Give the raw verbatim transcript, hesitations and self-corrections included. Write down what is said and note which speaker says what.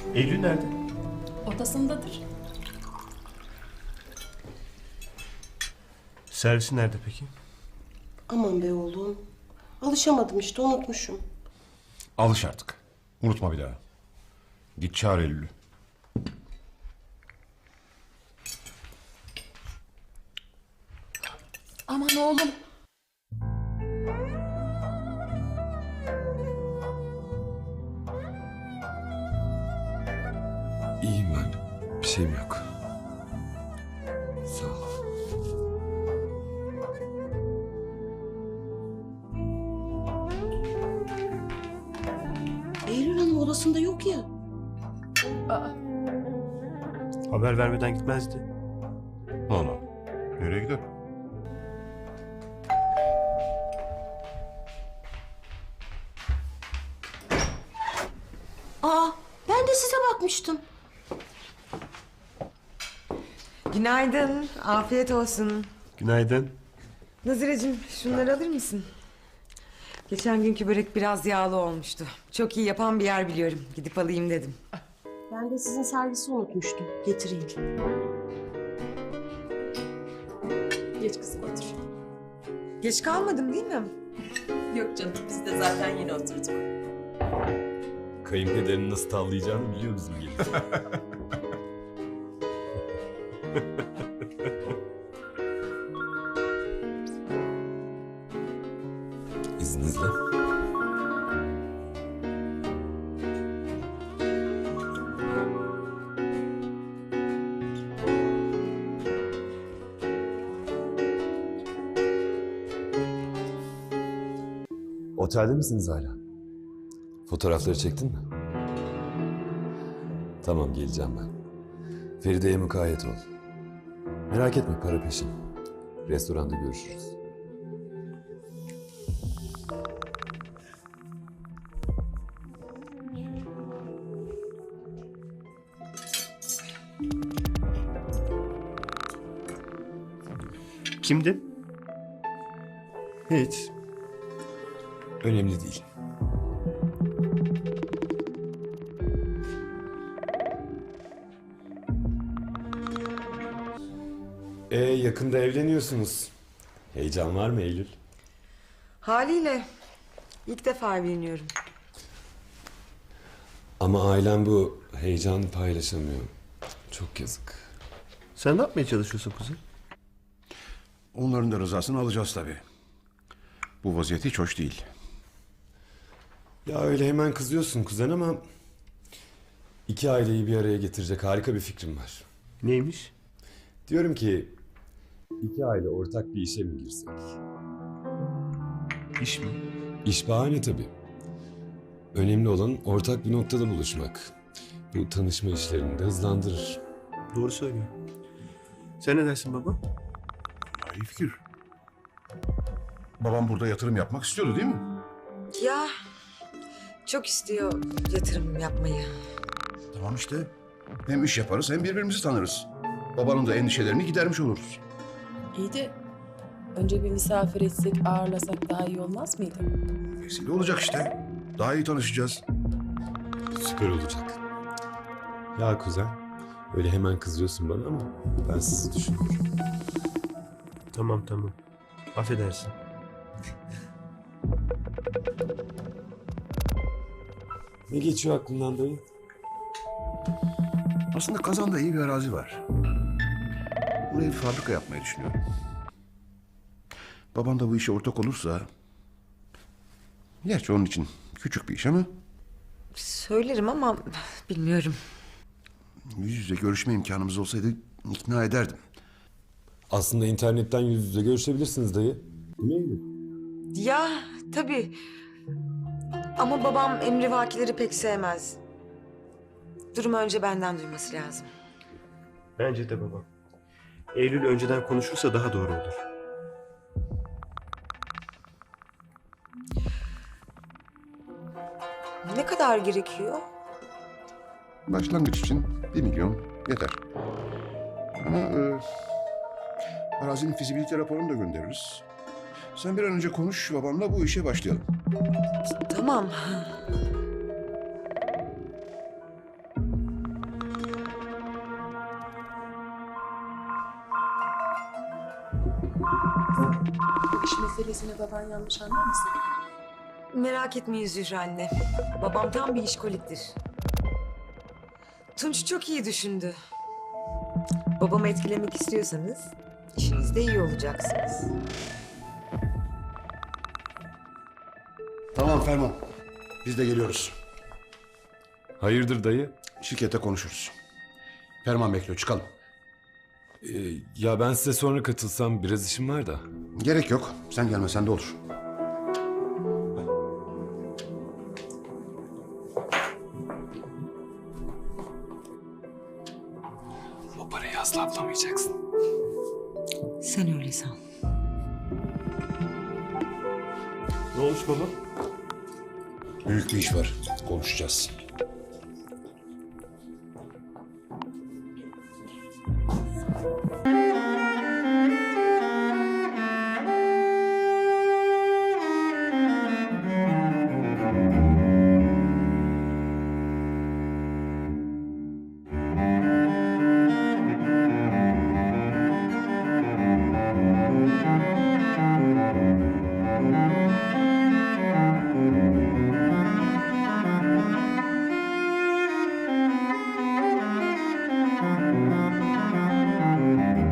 Speaker 1: Eylül nerede?
Speaker 2: Odasındadır.
Speaker 1: Servisi nerede peki?
Speaker 3: Aman be oğlum. Alışamadım işte, unutmuşum.
Speaker 4: Alış artık. Unutma bir daha. Git çağır Eylül'ü.
Speaker 2: Aman oğlum.
Speaker 5: İyiyim ben. Bir şeyim yok. Sağ ol.
Speaker 3: Eylül Hanım odasında yok ya.
Speaker 2: Aa,
Speaker 1: Haber vermeden gitmezdi.
Speaker 4: Allah. Nereye gider?
Speaker 3: Aa, ben de size bakmıştım.
Speaker 6: Günaydın, afiyet olsun.
Speaker 1: Günaydın.
Speaker 6: Nazire'cim şunları alır mısın? Geçen günkü börek biraz yağlı olmuştu. Çok iyi yapan bir yer biliyorum. Gidip alayım dedim.
Speaker 3: Ben de sizin servisi unutmuştum. Getireyim.
Speaker 2: geç kızım otur.
Speaker 6: Geç kalmadım değil mi?
Speaker 2: Yok canım, biz de zaten yeni oturduk.
Speaker 5: Kayınpederini nasıl tavlayacağını biliyor bizim gelin. İzninizle. Otelde misiniz hala? Fotoğrafları çektin mi? Tamam, geleceğim ben. Feride'ye mukayyet ol. Merak etme, para peşin. Restoranda görüşürüz.
Speaker 1: Kimdi?
Speaker 5: Hiç. Önemli değil. Ee, yakında evleniyorsunuz. Heyecan var mı Eylül?
Speaker 6: Haliyle ilk defa evleniyorum.
Speaker 5: Ama ailen bu heyecanı paylaşamıyor. Çok yazık.
Speaker 1: Sen ne yapmaya çalışıyorsun kuzen?
Speaker 4: Onların da rızasını alacağız tabii. Bu vaziyet hiç hoş değil.
Speaker 5: Ya öyle hemen kızıyorsun kuzen ama... iki aileyi bir araya getirecek harika bir fikrim var.
Speaker 1: Neymiş?
Speaker 5: Diyorum ki... iki aile ortak bir işe mi girsek?
Speaker 1: İş mi?
Speaker 5: İş bahane tabii. Önemli olan ortak bir noktada buluşmak. Bu tanışma işlerini de hızlandırır.
Speaker 1: Doğru söylüyor. Sen ne dersin baba?
Speaker 4: Ya, iyi fikir. Babam burada yatırım yapmak istiyordu değil mi?
Speaker 6: Ya çok istiyor yatırım yapmayı.
Speaker 4: Tamam işte. Hem iş yaparız hem birbirimizi tanırız. Babanın da endişelerini gidermiş oluruz.
Speaker 2: İyi de önce bir misafir etsek, ağırlasak daha iyi olmaz mıydı?
Speaker 4: Vesile olacak işte. Daha iyi tanışacağız.
Speaker 5: Süper olacak. Ya kuzen, öyle hemen kızıyorsun bana ama ben sizi düşünüyorum.
Speaker 1: Tamam tamam. Affedersin.
Speaker 5: Ne geçiyor aklından dayı?
Speaker 4: Aslında Kazan'da iyi bir arazi var. Buraya bir fabrika yapmayı düşünüyorum. Baban da bu işe ortak olursa... Gerçi onun için küçük bir iş ama...
Speaker 6: Söylerim ama bilmiyorum.
Speaker 4: Yüz yüze görüşme imkanımız olsaydı ikna ederdim.
Speaker 5: Aslında internetten yüz yüze görüşebilirsiniz dayı. Değil mi?
Speaker 6: Ya tabii. Ama babam emrivakileri pek sevmez. Durumu önce benden duyması lazım.
Speaker 1: Bence de baba. Eylül önceden konuşursa daha doğru olur.
Speaker 6: Ne kadar gerekiyor?
Speaker 4: Başlangıç için bir milyon yeter. Ama e, arazinin fizibilite raporunu da göndeririz. Sen bir an önce konuş babanla, bu işe başlayalım.
Speaker 6: Tamam.
Speaker 2: Bu iş meselesini baban yanlış anlamasın.
Speaker 6: Merak etmeyin Zühre anne. Babam tam bir işkoliktir. Tunç çok iyi düşündü. Babamı etkilemek istiyorsanız işinizde iyi olacaksınız.
Speaker 4: Tamam Ferman. Biz de geliyoruz.
Speaker 5: Hayırdır dayı?
Speaker 4: Şirkette konuşuruz. Ferman bekliyor, çıkalım.
Speaker 5: Ee, ya ben size sonra katılsam biraz işim var da.
Speaker 4: Gerek yok. Sen gelmesen de olur.
Speaker 5: O parayı asla bulamayacaksın.
Speaker 6: Sen öyle san.
Speaker 1: Ne olmuş baba?
Speaker 4: Büyük bir iş var. Konuşacağız.